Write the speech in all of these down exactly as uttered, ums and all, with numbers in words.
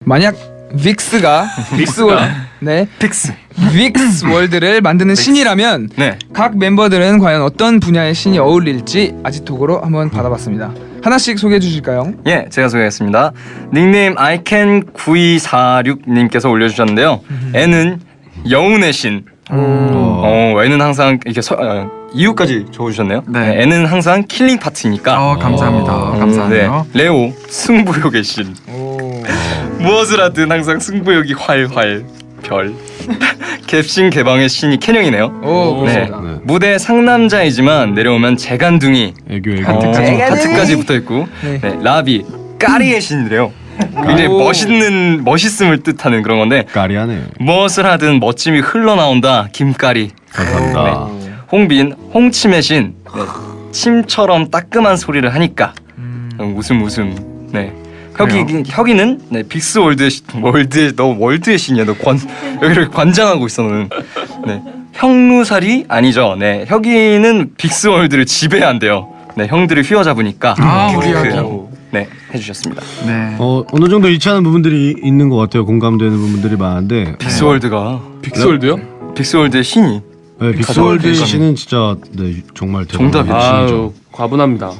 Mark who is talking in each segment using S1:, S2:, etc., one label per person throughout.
S1: 만약 빅스가 빅스 월 네
S2: 픽스
S1: 빅스 월드를 만드는 신이라면
S2: 네.
S1: 각 멤버들은 과연 어떤 분야의 신이 어울릴지 아지톡으로 한번 받아봤습니다. 하나씩 소개해 주실까요?
S2: 예, 제가 소개하겠습니다. 닉네임 아이캔 구이사육 님께서 올려주셨는데요. N은 영혼의 신. 어, N은 항상 이렇게 서, 어, 이유까지 적어주셨네요.
S3: 네.
S2: 네, N은 항상 킬링 파트니까.
S3: 어 감사합니다.
S2: 음,
S3: 감사해요.
S2: 네. 레오 승부욕의 신.
S1: 오.
S2: 무엇을 하든 항상 승부욕이 활활 별. 갭신 개방의 신이 캐령이네요.
S1: 오,
S2: 네.
S1: 그렇습니다.
S4: 네.
S2: 무대 상남자이지만 내려오면 재간둥이
S4: 애교 애교.
S2: 하트까지, 하트까지 붙어 있고.
S1: 네.
S2: 네. 라비 까리의 신이래요. 굉장히
S1: 오.
S2: 멋있는 멋있음을 뜻하는 그런 건데
S4: 까리하네.
S2: 무엇을 하든 멋짐이 흘러나온다. 김까리.
S4: 감사합니다.
S2: 홍빈 홍침의 신. 네. 침처럼 따끔한 소리를 하니까 음, 웃음 웃음. 네. 혁이 혁이는 네 빅스 월드의 신- 월드의 너 월드의 신이야. 너 관 여기를 관장하고 있어 너는. 네. 형루살이 아니죠. 네. 혁이는 빅스 월드를 지배한대요. 네. 형들을 휘어잡으니까.
S3: 아,
S2: 그-
S3: 우리
S2: 그-
S3: 혁이.
S2: 네. 해주셨습니다.
S3: 네.
S4: 어 어느 정도 일치하는 부분들이 있는 것 같아요. 공감되는 부분들이 많은데.
S2: 빅스 월드가
S5: 빅스월드요?
S2: 빅스 월드의 신이.
S4: 네, 빅스월드 씨는 진짜 네 정말
S2: 정답이죠.
S4: 대단한 신이죠.
S5: 아유 과분합니다.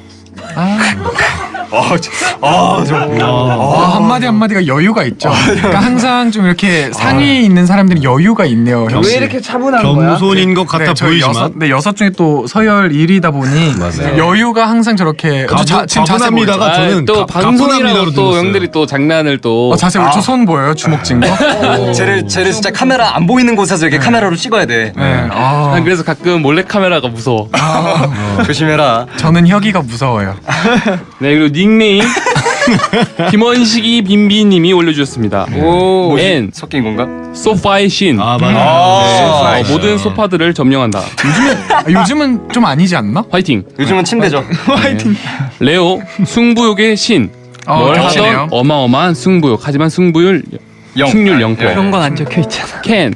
S2: 아, 저, 아, 저,
S3: 와, 한마디 한마디가 여유가 있죠. 그러니까 항상 좀 이렇게 상위에 있는 사람들이 여유가 있네요. 형.
S1: 왜 이렇게 차분한 거야?
S4: 겸손인 것 같아
S3: 네, 저희
S4: 보이지만
S3: 여섯, 네, 여섯 중에 또 서열 일 위다 보니
S4: 맞아요.
S3: 여유가 항상 저렇게
S4: 가부-
S3: 자, 지금 자세
S4: 가분합니다가
S3: 보이죠?
S4: 저는
S5: 아, 또
S4: 가-
S5: 방송이라고
S4: 가분합니다로
S5: 또
S4: 들었어요.
S5: 형들이 또 장난을 또
S3: 어, 자세 보이죠? 저손 보여요? 주먹 쥔 거?
S2: 쟤를 쟤를 진짜 카메라 안 보이는 곳에서 이렇게 카메라로 찍어야 돼.
S3: 네. 아,
S5: 난 그래서 가끔 몰래 카메라가 무서워.
S2: 조심해라.
S3: 저는 혁이가 무서워요.
S5: 네 그리고 닉네임 김원식이 빈비님이 올려주셨습니다.
S1: 오.
S5: N
S2: 섞인 건가?
S5: 소파의 신.
S4: 아 맞아.
S2: 아,
S5: 어, 모든 소파들을 점령한다.
S3: 아, 요즘은 좀 아니지 않나?
S5: 화이팅.
S2: 요즘은 침대죠.
S5: 레오 승부욕의 신.
S3: 어,
S5: 뭘
S3: 겹치네요.
S5: 하던 어마어마한 승부욕. 하지만 승부율
S2: 영.
S5: 승률 영
S2: 예.
S5: 퍼센트.
S1: 건 안 적혀 있잖아.
S5: 캔.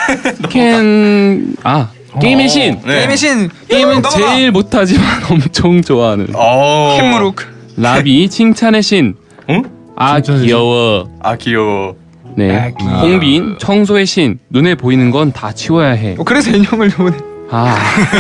S5: 캔. 아 게임의 신.
S2: 네.
S1: 게임의 신
S5: 게임은
S1: 넘어가.
S5: 제일 못하지만 엄청 좋아하는.
S2: 어.
S1: 캔무룩.
S5: 라비 칭찬의 신.
S2: 응?
S5: 아
S4: 칭찬의 신.
S5: 귀여워.
S2: 아 귀여워.
S5: 네.
S1: 아, 귀여워.
S5: 홍빈 청소의 신. 눈에 보이는 건 다 치워야 해.
S1: 어, 그래서 인형을 보내.
S5: 아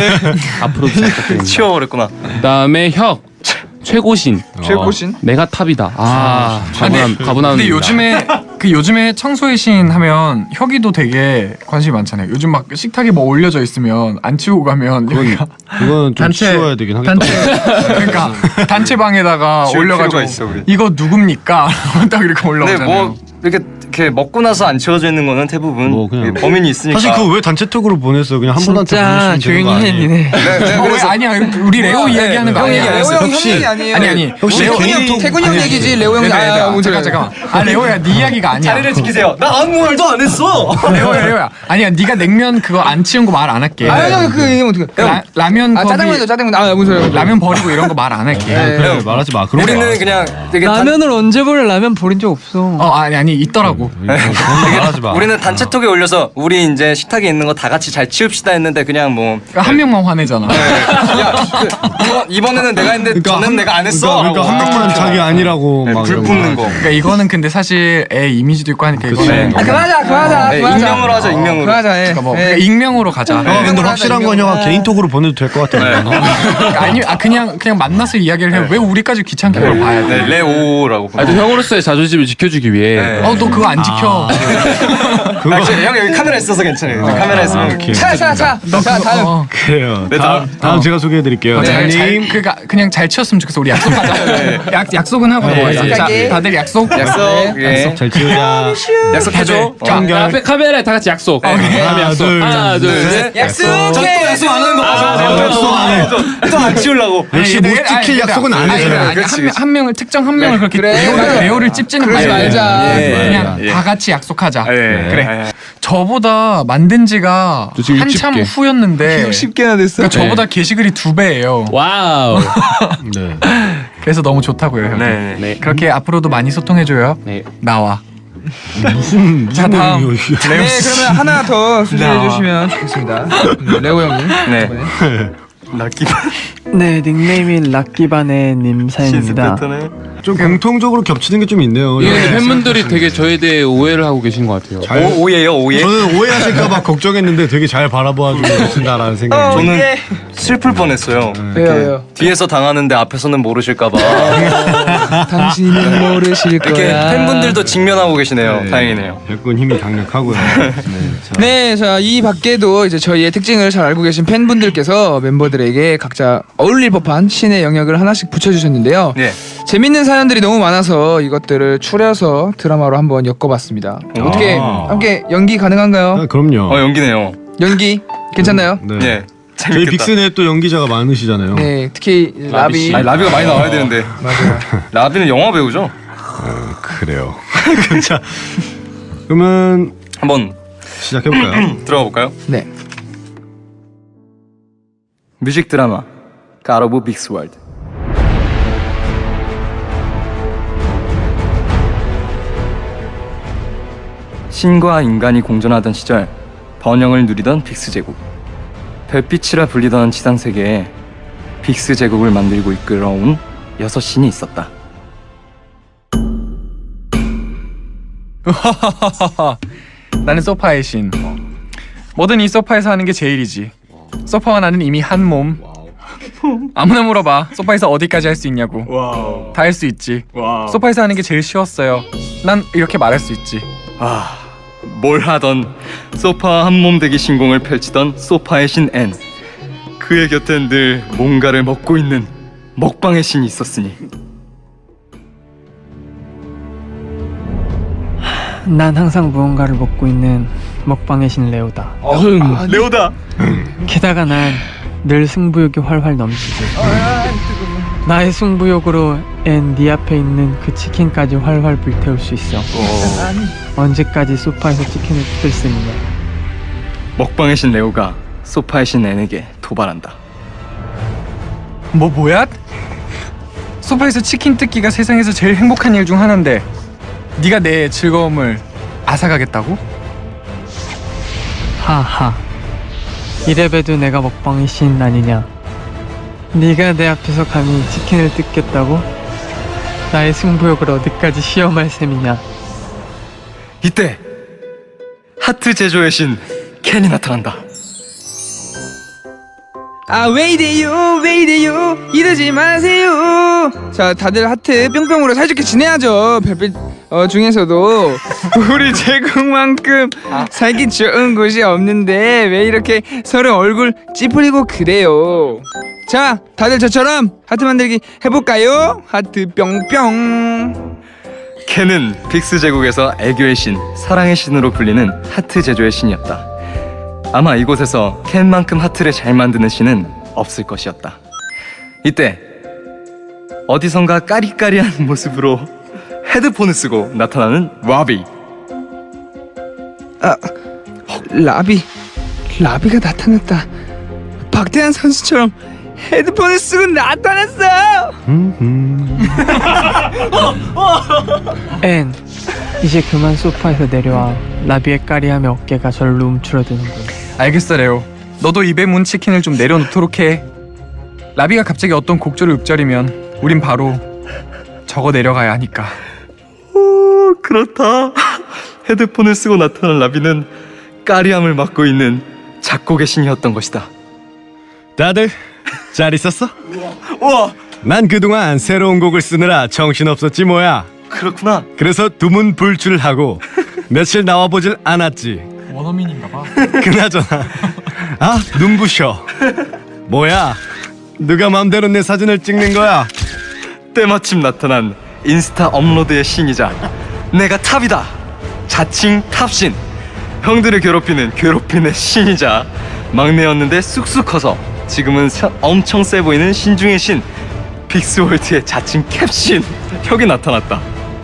S5: 앞으로 부탁드립니다.
S2: 치워버렸구나.
S5: 그다음에 혁 최고신.
S1: 최고신.
S5: 내가 탑이다. 아 가분함 가분함.
S3: 근데 요즘에 그 요즘에 청소의 신 하면 혁이도 되게 관심이 많잖아요. 요즘 막 식탁에 뭐 올려져 있으면 안 치우고 가면 혁이가
S4: 그건 좀 치워야 되긴 하겠다.
S3: 단체 그러니까 단체방에다가
S2: 치울
S3: 올려가지고
S2: 필요가 있어, 우리.
S3: 이거 누굽니까? 딱 이렇게
S2: 근데
S3: 올라오잖아요.
S2: 뭐 이렇게 이렇게 먹고 나서 안 치워져 있는 거는 대부분
S4: 뭐 그냥
S2: 이 범인이 있으니까.
S4: 사실 그거 왜 단체톡으로 보냈어? 그냥 한 분한테
S1: 진짜
S4: 보내시면 되는 거
S1: 조용히 해
S4: 아니에요?
S1: 니네.
S2: 네,
S3: 어, 왜
S2: 그래서
S3: 아니야 우리 레오 이야기하는 거
S1: 형
S3: 아니야.
S1: 얘기 레오 형
S4: 혹시-
S1: 형 얘기 아니에요.
S3: 아니 아니
S4: 혹시
S1: 레오
S4: 개인
S1: 형 태군 형 얘기지 레오 형이
S3: 네, 네, 네.
S1: 아
S3: 아,
S1: 뭔지
S3: 잠깐 잠깐. 아 레오야 네 이야기가 아니야.
S2: 자리를 지키세요. 나 아무 말도 안 했어.
S3: 레오야 레오야. 아니야 네가 냉면 그거 안 치운 거 말 안 할게.
S1: 아형그 얘기면 어떻게?
S3: 라, 라면
S1: 아
S3: 거기
S1: 짜장면이죠 짜장면. 아 무슨 소리야?
S3: 라면 버리고 이런 거 말 안 할게.
S4: 그래, 말하지 마. 그런 거
S2: 우리는
S4: 말하지
S2: 그냥 되게 단,
S6: 라면을 언제 버려? 라면 버린 적 없어.
S3: 어 아니 아니 있더라고.
S4: 마. 그런 거 말하지 마.
S2: 우리는 단체톡에 올려서 우리 이제 식탁에 있는 거 다 같이 잘 치웁시다 했는데 그냥 뭐
S3: 그러니까 한 명만 화내잖아.
S2: 야, 그, 이번, 이번에는 내가 했는데 저는
S4: 한-
S2: 내가 안 했어.
S4: 그러니까, 그러니까 한 명만 자기 아니라고
S2: 네,
S4: 막
S2: 불
S4: 이런
S2: 붙는 거.
S3: 그러니까 이거는 근데 사실 애 이미지도 있고 하니까
S4: 그치.
S3: 이거는
S1: 아 그만하자 그만하자
S2: 네,
S1: 그만하자.
S2: 익명으로 하자, 익명으로.
S1: 그만하자. 예.
S3: 그러니까 뭐
S1: 예.
S3: 그러니까 익명으로 가자.
S4: 어, 근데
S1: 익명으로
S4: 확실한
S1: 하자,
S4: 건 형아
S1: 익명으로.
S4: 개인톡으로 보내도 될 것 같아.
S3: 그러니까 아니 아 그냥 그냥 만나서 이야기를 해. 왜 우리까지 귀찮게 그걸 봐야 돼?
S2: 네, 레오라고.
S5: 아또 형으로서의 자존심을 지켜주기 위해.
S2: 네.
S3: 어 너 그거 안 지켜.
S2: 아, 저, 형 여기 카메라 있어서 괜찮아요. 카메라 있으면
S4: 오케이.
S1: 차차차.
S3: 너
S1: 자
S3: 그거,
S1: 다음.
S3: 어.
S4: 그래요.
S2: 네,
S4: 다음, 다음 제가 소개해드릴게요.
S3: 어, 잘, 잘,
S4: 님
S3: 그러니까 그냥 잘 치웠으면 좋겠어. 우리 약속하자. 약 약속은 하고
S4: 네,
S3: 넘어가자. 자,
S1: 약속하기.
S3: 다들 약속.
S2: 약속. 예.
S4: 잘 치우자.
S2: 약속해줘.
S3: 자,
S4: 어.
S5: 자, 앞에 카메라에 다 같이 약속.
S4: 하나,
S5: 약속.
S4: 둘,
S5: 하나, 둘,
S4: 셋.
S5: 셋.
S1: 약속해.
S2: 약속 안 하는 거
S4: 아, 약속 안 해.
S2: 또안 치우려고.
S4: 역시 못 지킬 약속은 안
S3: 아니,
S4: 해요.
S3: 아니, 아니, 한, 명- 한 명을 특정 한 명을 그렇게
S1: 그래,
S3: 레오를,
S1: 맞아.
S3: 레오를 찝지는
S1: 그러지
S3: 말고.
S1: 말자.
S3: 예, 그냥
S2: 맞아. 예.
S3: 다 같이 약속하자.
S2: 예.
S3: 그래. 저보다 만든 지가
S5: 저 지금
S3: 한참
S5: 육십 개.
S3: 후였는데
S1: 육십 개나 됐어.
S3: 그러니까 저보다 게시글이 두 배예요.
S5: 와우.
S4: 네.
S3: 그래서 너무 좋다고요. 형.
S2: 네.
S5: 네.
S3: 그렇게 앞으로도 많이 소통해줘요.
S5: 네.
S3: 나와.
S4: 무슨
S3: 자,
S4: 무슨
S3: 다음.
S4: 내용이에요, 이게.
S1: 네 그러면 하나 더 소개해 주시면 좋겠습니다. 음, 레오 형이.
S2: 네.
S1: 이번에.
S2: 락기
S6: 네, 닉네임인 락기바네님
S2: 신스
S6: 사연입니다.
S2: 패턴에.
S4: 좀 공통적으로 겹치는 게 좀 있네요.
S5: 이게
S4: 네.
S5: 근데 팬분들이 되게 저에 대해 오해를 하고 계신 것 같아요.
S4: 잘-
S2: 오, 오예요 오예.
S4: 저는 오해하실까봐 걱정했는데 되게 잘 바라봐주고 계신다라는 생각이.
S2: 저는 슬플 뻔했어요.
S1: 왜요 왜요?
S2: 뒤에서 당하는데 앞에서는 모르실까봐.
S1: 당신은 모르실
S2: 이렇게
S1: 거야.
S2: 팬분들도 직면하고 계시네요.
S4: 네.
S2: 다행이네요.
S4: 백군 힘이 강력하고요. 네. 자,
S1: 네, 자, 이 밖에도 이제 저희의 특징을 잘 알고 계신 팬분들께서 멤버들에게 각자 어울릴 법한 신의 영역을 하나씩 붙여주셨는데요.
S2: 네.
S1: 재밌는 사연들이 너무 많아서 이것들을 추려서 드라마로 한번 엮어봤습니다. 어떻게
S4: 아.
S1: 함께 연기 가능한가요?
S4: 아, 그럼요.
S2: 어 연기네요.
S1: 연기 괜찮나요?
S4: 네.
S2: 네.
S4: 저희
S2: 재밌겠다.
S4: 빅스네 또 연기자가 많으시잖아요.
S1: 네, 특히 라비.
S2: 아니 라비가 많이 나와야 되는데.
S1: 맞아요.
S2: 라비는 영화 배우죠.
S4: 그래요. 자, 그러면
S2: 한번
S4: 시작해볼까요?
S2: 들어가 볼까요?
S1: 네.
S2: 뮤직 드라마 God of Big's World. 신과 인간이 공존하던 시절 번영을 누리던 빅스 제국. 별빛이라 불리던 지상 세계에 빅스 제국을 만들고 이끌어온 여섯 신이 있었다.
S3: 나는 소파의 신. 뭐든 이 소파에서 하는 게 제일이지. 소파와 나는 이미 한 몸. 아무나 물어봐. 소파에서 어디까지 할 수 있냐고. 다 할 수 있지. 소파에서 하는 게 제일 쉬웠어요. 난 이렇게 말할 수 있지.
S2: 아, 뭘 하던 소파 한 몸 되기 신공을 펼치던 소파의 신 앤. 그의 곁엔 늘 뭔가를 먹고 있는 먹방의 신이 있었으니.
S6: 난 항상 무언가를 먹고 있는 먹방의 신 레오다.
S5: 어흥.
S2: 레오다.
S6: 게다가 난 늘 승부욕이 활활 넘치지. 나의 승부욕으로 앤 네 앞에 있는 그 치킨까지 활활 불태울 수 있어. 언제까지 소파에서 치킨을 뜯을 쓰느냐.
S2: 먹방의 신 레오가 소파의 신 앤에게 도발한다.
S3: 뭐 뭐야? 소파에서 치킨 뜯기가 세상에서 제일 행복한 일 중 하나인데 네가 내 즐거움을 앗아가겠다고?
S6: 하하. 이래봬도 내가 먹방의 신 아니냐. 네가 내 앞에서 감히 치킨을 뜯겠다고? 나의 승부욕을 어디까지 시험할 셈이냐.
S2: 이때 하트 제조의 신 켄이 나타난다.
S1: 아, 왜 이래요? 왜 이래요? 이러지 마세요. 자, 다들 하트 뿅뿅으로 사이좋게 지내야죠. 별빛 어, 중에서도 우리 제국만큼 살기 좋은 곳이 없는데 왜 이렇게 서로 얼굴 찌푸리고 그래요? 자, 다들 저처럼 하트 만들기 해볼까요? 하트 뿅뿅.
S2: 켄은 빅스 제국에서 애교의 신, 사랑의 신으로 불리는 하트 제조의 신이었다. 아마 이곳에서 켄만큼 하트를 잘 만드는 신은 없을 것이었다. 이때 어디선가 까리까리한 모습으로 헤드폰을 쓰고 나타나는 라비.
S1: 아, 라비, 라비가 나타났다. 박태환 선수처럼 헤드폰을 쓰고 나타났어.
S6: 앤, 이제 그만 소파에서 내려와. 라비의 까리함에 어깨가 절로 움츠러드는군.
S3: 알겠어 레오. 너도 입에 문 치킨을 좀 내려놓도록 해. 라비가 갑자기 어떤 곡조를 읊조리면 우린 바로 저거 내려가야 하니까.
S2: 오, 그렇다. 헤드폰을 쓰고 나타난 라비는 까리함을 맡고 있는 작곡의 신이었던 것이다.
S4: 다들 잘 있었어?
S2: 우와,
S4: 난 그동안 새로운 곡을 쓰느라 정신없었지 뭐야.
S2: 그렇구나.
S4: 그래서 두문불출을 하고 며칠 나와보질 않았지.
S3: 원어민인가 봐.
S4: 그나저나 아 눈부셔. 뭐야 누가 맘대로 내 사진을 찍는 거야.
S2: 때마침 나타난 인스타 업로드의 신이자 내가 탑이다. 자칭 탑신. 형들을 괴롭히는 괴롭히는 신이자 막내였는데 쑥쑥 커서 지금은 서- 엄청 세 보이는 신중의 신 빅스월드의 자칭 캡신 혁이 나타났다.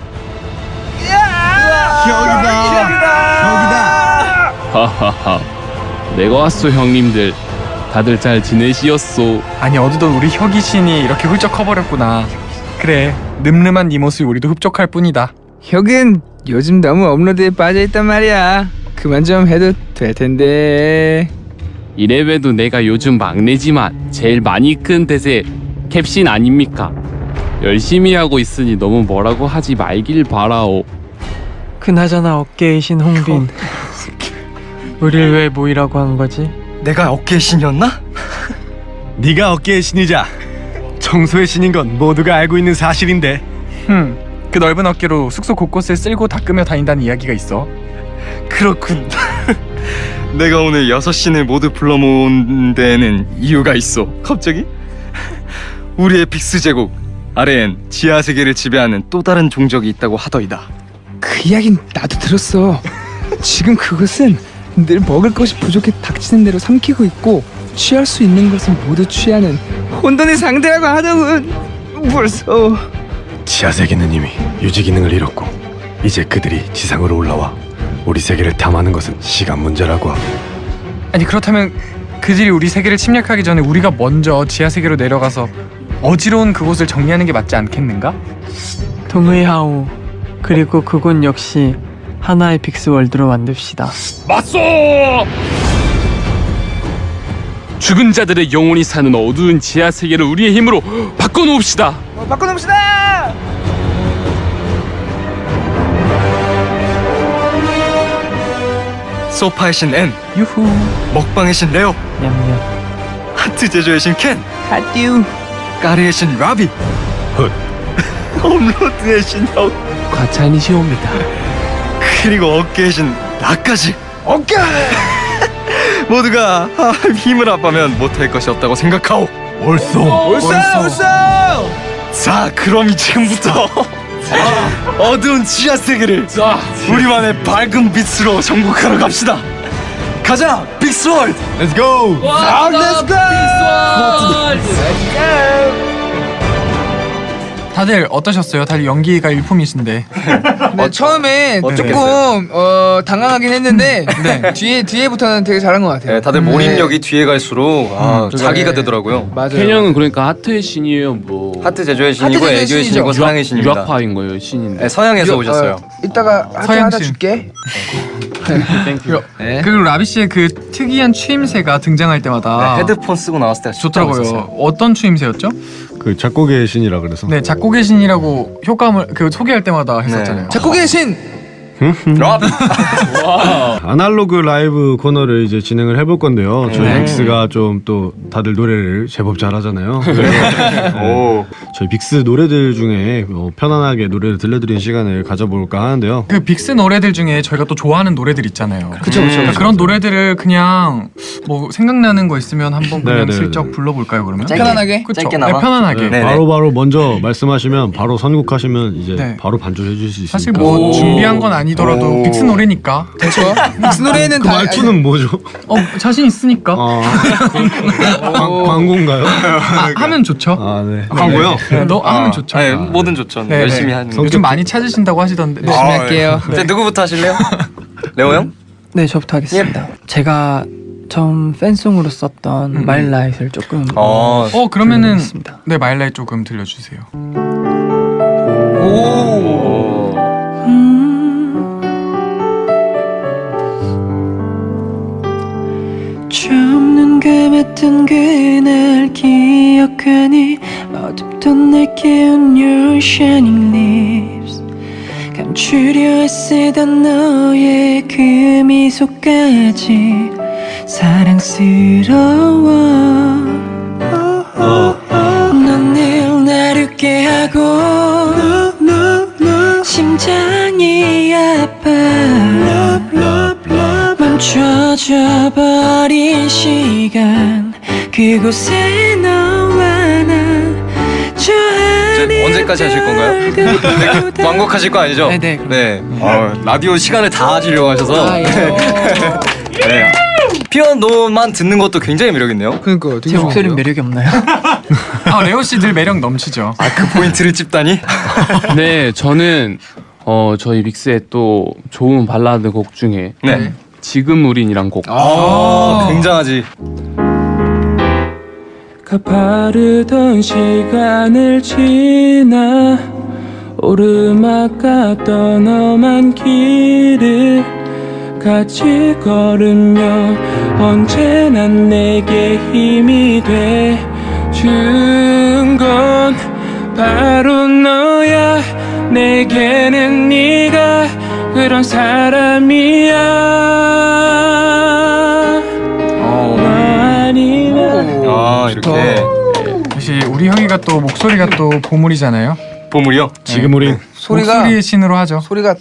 S4: 여기다.
S5: 하하하. 내가 왔소 형님들. 다들 잘 지내시었소.
S3: 아니 어디도 우리 혁이 신이 이렇게 훌쩍 커버렸구나. 그래 늠름한 네 모습이 우리도 흡족할 뿐이다.
S1: 혁은 요즘 너무 업로드에 빠져있단 말이야. 그만 좀 해도 될 텐데.
S5: 이래봬도 내가 요즘 막내지만 제일 많이 큰 대세 캡신 아닙니까? 열심히 하고 있으니 너무 뭐라고 하지 말길 바라오.
S6: 그나저나 어깨의 신 홍빈, 우릴 왜 모이라고 한 거지?
S2: 내가 어깨의 신이었나?
S4: 네가 어깨의 신이자 청소의 신인 건 모두가 알고 있는 사실인데.
S3: 흠, 그 넓은 어깨로 숙소 곳곳을 쓸고 닦으며 다닌다는 이야기가 있어.
S2: 그렇군. 내가 오늘 여섯 신을 모두 불러 모은 데에는 이유가 있어. 갑자기? 우리의 빅스 제국 아래엔 지하 세계를 지배하는 또 다른 종족이 있다고 하더이다.
S1: 그 이야긴 나도 들었어. 지금 그것은 늘 먹을 것이 부족해 닥치는 대로 삼키고 있고 취할 수 있는 것은 모두 취하는 혼돈의 상대라고 하더군. 벌써
S4: 지하 세계는 이미 유지 기능을 잃었고 이제 그들이 지상으로 올라와 우리 세계를 탐하는 것은 시간 문제라고 하고.
S3: 아니 그렇다면 그들이 우리 세계를 침략하기 전에 우리가 먼저 지하 세계로 내려가서 어지러운 그곳을 정리하는 게 맞지 않겠는가?
S6: 동의하오. 그리고 그곳 역시 하나의 빅스 월드로 만듭시다.
S5: 맞소! 죽은 자들의 영혼이 사는 어두운 지하 세계를 우리의 힘으로 바꿔놓읍시다.
S1: 어, 바꿔놓읍시다.
S2: 소파의 신 N,
S6: 유후.
S2: 먹방의 신 레오,
S6: 냠냠.
S2: 하트 제조의 신 켄,
S1: 하듀.
S2: 까리의 신 라비,
S4: 헛.
S2: 홈로드의 신 혁,
S5: 과찬이시옵니다.
S2: 그리고 어깨의 신 나까지.
S1: 어깨.
S2: 모두가 아, 힘을 합하면 못할 것이 없다고 생각하오.
S4: 옳소.
S1: 올싸 올싸.
S2: 자, 그럼 지금부터 어두운 지하 세계를
S5: 자,
S2: 우리만의 밝은 빛으로 정복하러 갑시다. 가자, 빅스월드.
S4: Let's go.
S1: 아, 렛츠 고.
S3: 다들 어떠셨어요? 다들 연기가 일품이신데.
S1: 네, 처음에 조금 어, 당황하긴 했는데
S3: 네.
S1: 뒤에 뒤에부터는 되게 잘한 것 같아요.
S2: 네, 다들 몰입력이 뒤에 갈수록 아,
S1: 음,
S2: 자기가
S1: 네.
S2: 되더라고요.
S1: 맞아요.
S5: 켄형은 그러니까 하트의 신이에요. 뭐
S2: 하트 제조의 신이고
S1: 제조의
S2: 애교의
S1: 신이죠.
S2: 신이고 사랑의 신입니다.
S5: 유학파인 거예요, 신인데.
S2: 네, 서양에서
S1: 요-
S2: 오셨어요.
S1: 어, 이따가 하트
S3: 서양
S1: 하나
S3: 신.
S1: 줄게.
S5: 땡큐.
S1: 네.
S3: 그리고 라비 씨의 그 특이한 추임새가 등장할 때마다
S2: 네, 헤드폰 쓰고 나왔을 때
S3: 좋더라고요. 어떤 추임새였죠?
S4: 그 작곡의 신이라 그래서.
S3: 네, 작곡의 신이라고 효과음을 그 소개할 때마다 했었잖아요.
S1: 작곡의 신.
S2: 라비.
S4: 아날로그 라이브 코너를 이제 진행을 해볼 건데요. 저희
S2: 네.
S4: 빅스가 좀 또 다들 노래를 제법 잘하잖아요. 그래서
S2: 오.
S4: 저희 빅스 노래들 중에 어, 편안하게 노래를 들려드리는 시간을 가져볼까 하는데요.
S3: 그 빅스 노래들 중에 저희가 또 좋아하는 노래들 있잖아요.
S1: 그쵸, 그쵸,
S3: 그런 노래들을 그냥 뭐 생각나는 거 있으면 한번 그냥
S4: 네, 네,
S3: 슬쩍
S4: 네.
S3: 불러볼까요 그러면?
S1: 편안하게.
S3: 그쵸?
S2: 짧게나마?
S3: 네, 편안하게.
S2: 네.
S4: 바로 바로 먼저 말씀하시면 바로 선곡하시면 이제
S3: 네.
S4: 바로 반주해 주실 수 있습니다.
S3: 사실 뭐 준비한 건 아니더라도
S2: 오.
S3: 빅스 노래니까.
S1: 그렇죠. 믹스 노래는
S4: 그
S1: 다
S4: 말투는 뭐죠?
S3: 어 자신 있으니까.
S4: 아, 광, 광고인가요?
S3: 아, 하면 좋죠.
S4: 아, 네. 광고요?
S3: 네, 너 하면 좋죠.
S2: 아니, 뭐든 좋죠.
S3: 네,
S2: 열심히
S3: 네.
S2: 하는.
S3: 요즘 많이 찾으신다고 하시던데.
S1: 열심히 할게요.
S2: 이제 누구부터 하실래요? 레오 형?
S6: 네, 저부터 하겠습니다. 제가 처음 팬송으로 썼던
S3: 음.
S6: 마일라이트를 조금
S2: 어.
S3: 어 그러면은
S6: 불러보겠습니다.
S3: 네 마일라이트 조금 들려주세요.
S1: 오.
S6: 처음 눈 감았던 그날 기억하니 어둡던 날 깨운 your shining lips 감추려 애쓰던 너의 그 미소까지 사랑스러워 넌 늘 날 웃게 하고 심장이 아파 멈춰져 버린 시간 그곳에 너와 나 저
S2: 이제 언제까지 하실 건가요? 네, 완곡하실 거 아니죠?
S6: 네, 네.
S2: 네. 어, 라디오 시간을 다 하시려고 하셔서.
S1: 아, 예.
S2: 네. 피아노만 듣는 것도 굉장히 매력 있네요.
S1: 그러니까 되게
S6: 제 목소리는
S1: 좋은데요?
S6: 매력이 없나요?
S3: 아 레오 씨 늘 매력 넘치죠.
S2: 아, 그 포인트를 찝다니?
S5: 네, 저는 어 저희 빅스의 또 좋은 발라드 곡 중에
S2: 네.
S5: 지금 우린이란 곡.
S2: 아, 굉장하지.
S5: 가파르던 시간을 지나 오르막 같던 험한 길을 같이 걸으며 언제나 내게 힘이 돼 준 건 바로 너야. 내게는 네가 그런 사람이야. 너 아니면
S2: 아 이렇게
S3: 역시 우리 형이가 또 목소리가 또 보물이잖아요.
S2: 보물이요?
S4: 지금 우린
S1: 소리가
S3: 목소리의 신으로 하죠.
S1: 소리가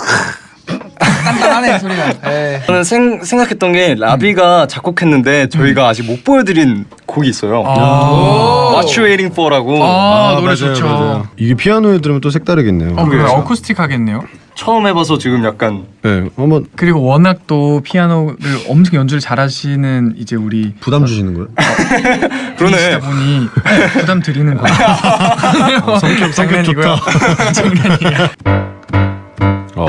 S1: 단단하네 소리가. 에이.
S2: 저는 생, 생각했던 게 라비가 작곡했는데 저희가 아직 못 보여드린 곡이 있어요.
S3: 아,
S2: What You Waiting For라고.
S3: 아, 노래
S4: 맞아요,
S3: 좋죠.
S4: 맞아요. 이게 피아노에 들으면 또 색다르겠네요.
S3: 어, 그래 어쿠스틱 하겠네요.
S2: 처음 해봐서 지금 약간
S4: 네, 한번
S3: 그리고 워낙 또 피아노를 엄청 연주를 잘하시는 이제 우리
S4: 부담 주시는 거예요?
S2: 그러네.
S3: 분이 부담 드리는 거예요.
S4: 성격 성격 좋다.
S3: 장난이에요.
S4: 어.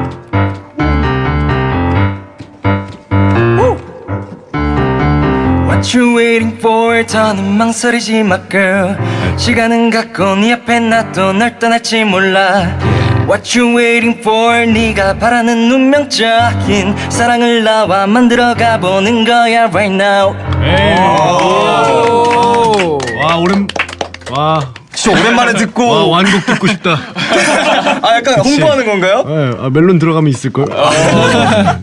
S2: What you waiting for? 더는 망설이지 마 girl. 시간은 갔고 네 앞에 놔둬 널 떠날지 몰라. What you waiting for? 네가 바라는 운명적인 사랑을 나와 만들어가 보는 거야 right now.
S4: 와 오랜 와,
S2: 진짜 오랜만에 듣고
S4: 와 완곡 듣고 싶다.
S2: 아 약간 홍보하는 건가요?
S4: 네, 아, 멜론 들어가면 있을 걸.